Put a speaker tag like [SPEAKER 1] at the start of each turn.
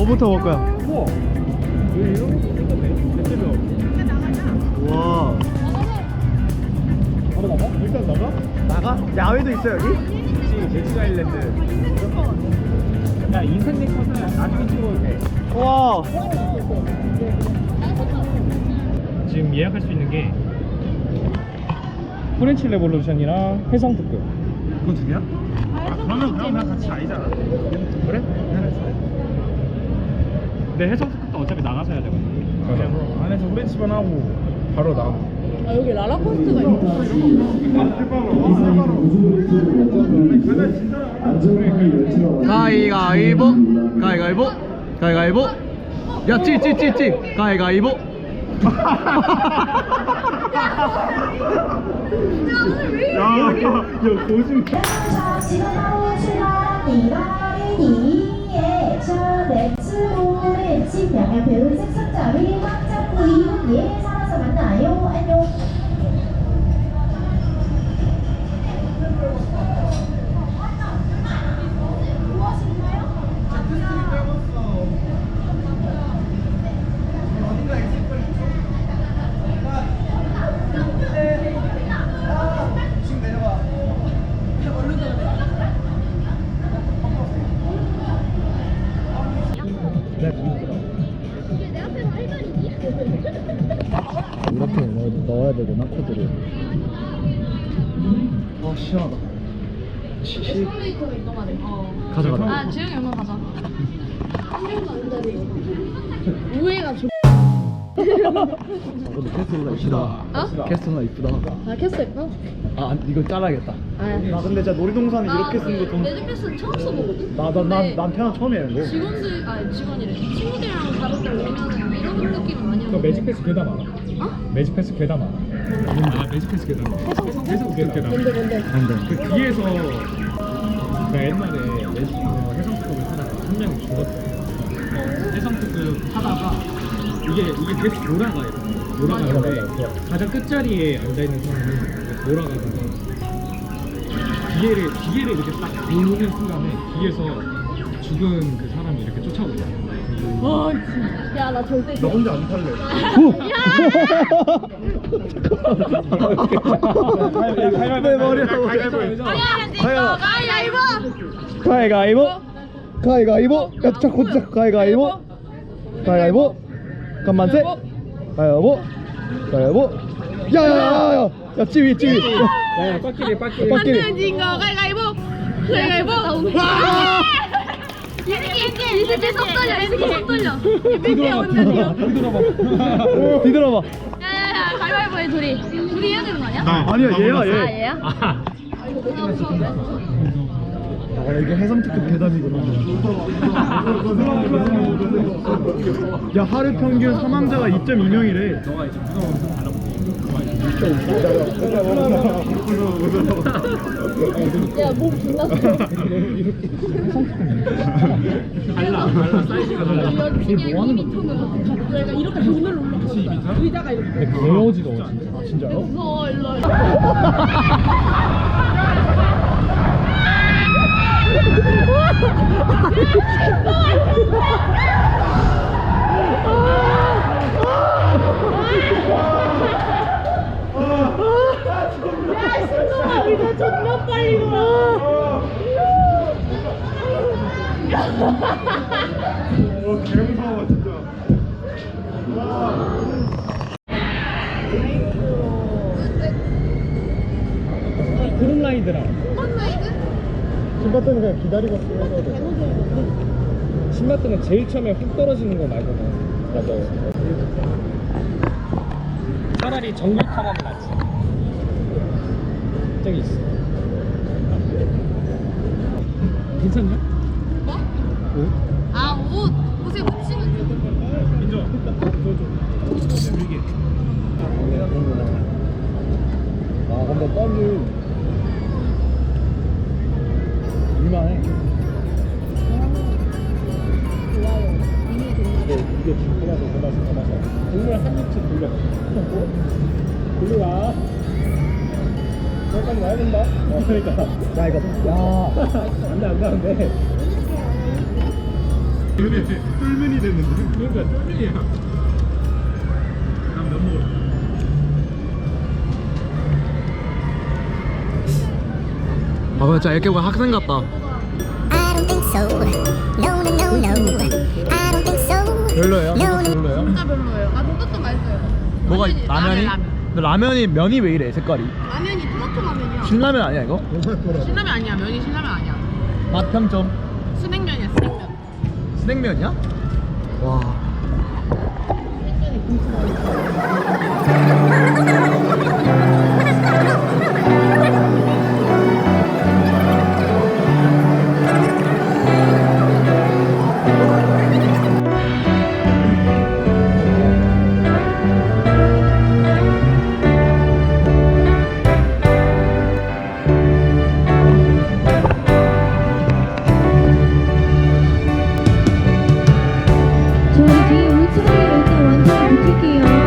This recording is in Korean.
[SPEAKER 1] 뭐부터 먹을 거야?
[SPEAKER 2] 우와. 왜 이런 것도 생겼네? 대체로.
[SPEAKER 1] 와.
[SPEAKER 2] 바로 나가? 일단 나가?
[SPEAKER 1] 나가? 야외도 있어 여기?
[SPEAKER 2] 그치, 제주 아일랜드. 야, 인생 네컷은 나중에 찍어도 돼.
[SPEAKER 1] 와.
[SPEAKER 2] 지금 예약할 수 있는 게 프렌치 레볼루션이랑 해성 특급.
[SPEAKER 1] 그거 두 개야?
[SPEAKER 2] 그러면 같이 아니잖아.
[SPEAKER 1] 그래?
[SPEAKER 2] 근데 해성 특급도 어차피 나가서 해야 되거든. 그냥 안에서 프렌치만 하고 바로 나가.
[SPEAKER 3] 아 여기 라라코스트가 있구나.
[SPEAKER 1] 가위가위보 가위가위보 가위가위보 야 찌찌찌찌 가위가위보 야 거짓말
[SPEAKER 4] 명예 배우 색상자위 확장부 이분 예 살아서 만나요. 안녕.
[SPEAKER 1] 이렇게 넣어야 되구나 코드를. 아 시원하다.
[SPEAKER 3] 에스컬레이터가 이동하네.
[SPEAKER 1] 가자 가자.
[SPEAKER 3] 아 재영이 얼마 가자. 우회가 좋.
[SPEAKER 1] 근데 캐스터가 이쁘다.
[SPEAKER 3] 어?
[SPEAKER 1] 캐스터가 이쁘다.
[SPEAKER 3] 아 캐스 예뻐?
[SPEAKER 1] 아 이거 잘라야겠다.
[SPEAKER 3] 아.
[SPEAKER 1] 나 근데 진짜 놀이동산에 이렇게 쓰는 거 좀.
[SPEAKER 3] 레드패스 처음 써보거든. 근데
[SPEAKER 1] 태어나 처음에 하는 거.
[SPEAKER 3] 직원들 직원이래. 친구들이랑 가볍게 오면 이런 느낌은 많이
[SPEAKER 2] 그
[SPEAKER 3] 오는데.
[SPEAKER 2] 매직패스 괴담 알아?
[SPEAKER 3] 어?
[SPEAKER 2] 매직패스 괴담 알아? 아, 매직패스 괴담. 해성 괴담.
[SPEAKER 3] 뭔데?
[SPEAKER 2] 그 뒤에서 그 옛날에 해성특급을 타다가 한 명이 죽었어요. 해성특급 타다가 이게 계속 돌아가요. 돌아가는데 가장 끝자리에 앉아있는 사람은 돌아가다가 기계를 이렇게 딱 보는 순간에 뒤에서 죽은 그 사람이 이렇게 쫓아오잖아요.
[SPEAKER 3] 와 진짜. 야나 절대.
[SPEAKER 1] 나 혼자 안 탈래. 내 머리야. 가위가위보 가위가위보 야자 고자 가위가위보 가위가위보 간만세 가위가위보 가위가위보 야야야야 야 찌위
[SPEAKER 2] 야야 빠끼리
[SPEAKER 3] 진 거 가위가위보. 가위가위보. 이 새끼 속 떨려. 이 새끼 온다니요.
[SPEAKER 1] 뒤돌아봐
[SPEAKER 3] 야야야 가위바위보해 둘이 해야 되는 거 아니야?
[SPEAKER 1] 아니야 얘야 얘
[SPEAKER 3] 아 얘야?
[SPEAKER 1] 아 이게 해성특급 괴담이구나. 야 하루 평균 사망자가 2.2명이래.
[SPEAKER 2] 너가 이제 무서워서
[SPEAKER 3] 야몸 존나
[SPEAKER 2] 달라 사이즈가 달라.
[SPEAKER 3] 이게 뭐 하는 거? 내가 이렇게 눈을 올라가. 의자가 이렇게.
[SPEAKER 2] 개어지도 아 진짜요?
[SPEAKER 3] 무서워 일로. 야 신동아 이거 존나 빨리 돌아.
[SPEAKER 1] 개무서워 진짜.
[SPEAKER 2] 크룸라이드랑
[SPEAKER 1] 신발끈은 그냥 기다리고 있어야 돼.
[SPEAKER 2] 신발끈은 제일 처음에 훅 떨어지는 거 말고는 맞아요. 차라리 정글 탐험은 낫지. 저기 있어. 괜찮냐?
[SPEAKER 3] 뭐?
[SPEAKER 2] 옷?
[SPEAKER 3] 아 옷에 묻히면 돼.
[SPEAKER 2] 인정. 줘. 이게.
[SPEAKER 1] 아 근데 떡이 이만해.
[SPEAKER 3] 좋아요.
[SPEAKER 2] 이게 진짜 더 맛있어. 국물 한 입씩 돌려. 돌려라. 여기까지 와야 된다. 그러니까.
[SPEAKER 1] 야 이거 야
[SPEAKER 2] 안돼.
[SPEAKER 1] 쫄면이 됐는데.
[SPEAKER 2] 그러니까 쫄면이야. 난면 먹을.
[SPEAKER 5] 아 근데 진짜 이렇게 보면 학생 같다.
[SPEAKER 6] I don't think so. No, no, no, no. I don't think so.
[SPEAKER 5] 별로예요? 별로예요?
[SPEAKER 3] 진짜 별로예요. 아 돈까스 맛있어요.
[SPEAKER 5] 뭐가
[SPEAKER 3] 완전히
[SPEAKER 5] 라면이?
[SPEAKER 3] 라면.
[SPEAKER 5] 근데 라면이 면이 왜 이래 색깔이?
[SPEAKER 3] 라면이 토마토 라면이야.
[SPEAKER 5] 신라면 아니야 이거?
[SPEAKER 3] 신라면 아니야. 면이 신라면 아니야.
[SPEAKER 5] 맛 평점.
[SPEAKER 3] 스낵면이야 스낵면.
[SPEAKER 5] 스낵면이야? 와.
[SPEAKER 4] 저희 뒤에 울트라를 일단 완전히 붙일게요.